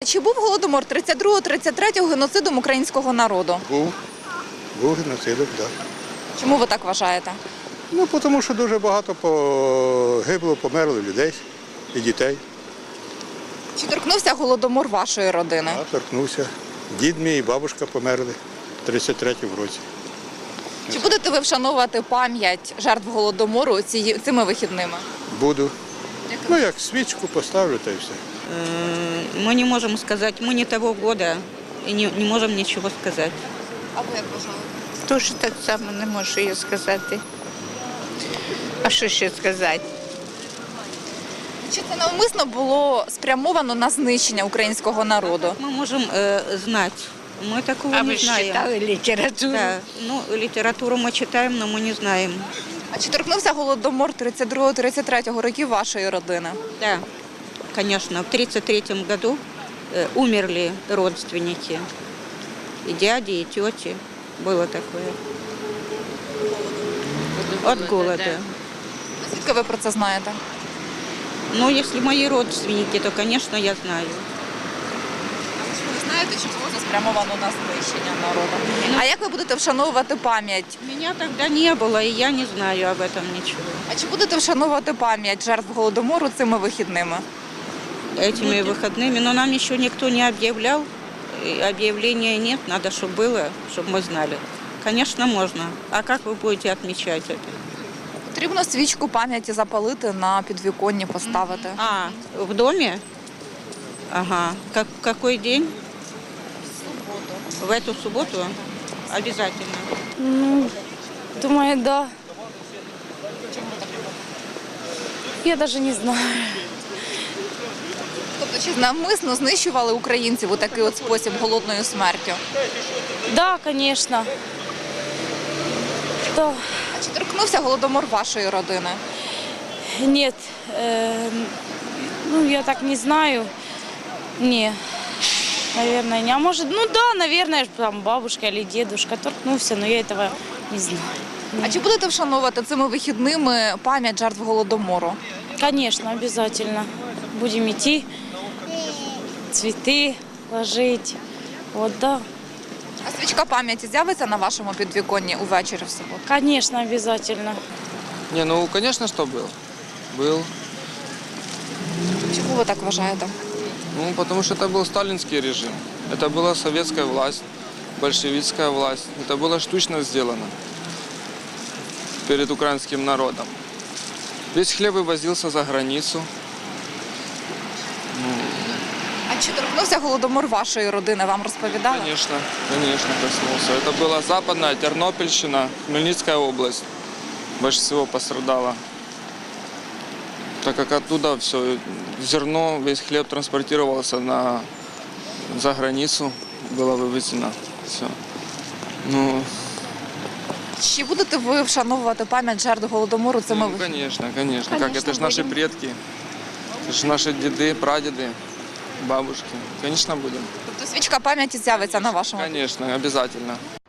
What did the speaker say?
Чи був Голодомор 32-33 геноцидом українського народу? Був геноцидом, так. Чому ви так вважаєте? Ну, тому що дуже багато погибло, померло людей і дітей. Чи торкнувся Голодомор вашої родини? Я торкнувся. Дід мій і бабушка померли в 33-му році. Чи будете ви вшановувати пам'ять жертв Голодомору цими вихідними? Буду. Ну, як свічку поставлю, та й все. Мы не можем сказать, мы не того года и не можем ничего сказать. А ви як вважаєте? Тож так само не можу я сказати. А що ще сказати? Чи це навмисно було спрямовано на знищення українського народу? Мы можем знать, мы такого А не ви ж знаем. читали літературу? Да, ну, литературу мы читаем, но мы не знаем. А чи торкнувся Голодомор 32-33 років вашої родини? Да, конечно, в 1933 году умерли родственники, и дяди, и тети. Было такое. От голода. Звідки ви про це знаєте? Ну, если мои родственники, то, конечно, я знаю. Ви знаєте, що було це спрямовано на знищення народу. А як ви будете вшановувати пам'ять? Меня тогда не было, и я не знаю об этом ничего. А чи будете вшановувати пам'ять жертв Голодомору цими вихідними? Этими выходными, но нам еще никто не объявлял, и объявления нет, надо, чтобы было, чтобы мы знали. Конечно, можно. А как вы будете отмечать это? Потрібно свічку пам'яті запалити, на підвіконні поставити. А, в доме? Ага. Какой день? В эту субботу? Обязательно. Думаю, да. Я даже не знаю. Тобто, чи навмисно знищували українців у такий от спосіб голодною смертю? Да, конечно. Да. А чи торкнувся Голодомор вашої родини? Нет. Ну, я так не знаю. Не. Наверное, не. А может, ну да, наверное, там бабушка или дедушка торкнулся, но я этого не знаю. А чи будете вшановувати цими вихідними пам'ять жертв Голодомору? Конечно, обязательно. Будем идти, цветы ложить. Вот, да. А свічка пам'яті з'явиться на вашому підвіконні увечері в суботу? Конечно, обязательно. Не, ну, конечно, что был. Был. Чому ви так вважаєте? Ну, потому что это был сталинский режим. Это была советская власть, большевистская власть. Это было штучно сделано перед украинским народом. Весь хлеб вывозился за границу. А чи торкнувся Голодомор вашої родини? Вам розповідали? Конечно, конечно, коснулся. Это была Западная Тернопольщина, Хмельницкая область. Больше всего пострадала. Так как оттуда все зерно, весь хлеб транспортировался за границу, было вывезено все. Ну, Чи будете ви вшановувати пам'ять жертв Голодомору цими вихідними? конечно, конечно. Как это же наши предки, это же наши деды, прадеды, бабушки. Конечно, будем. Тобто свічка пам'яті з'явиться на вашому? Конечно, обязательно.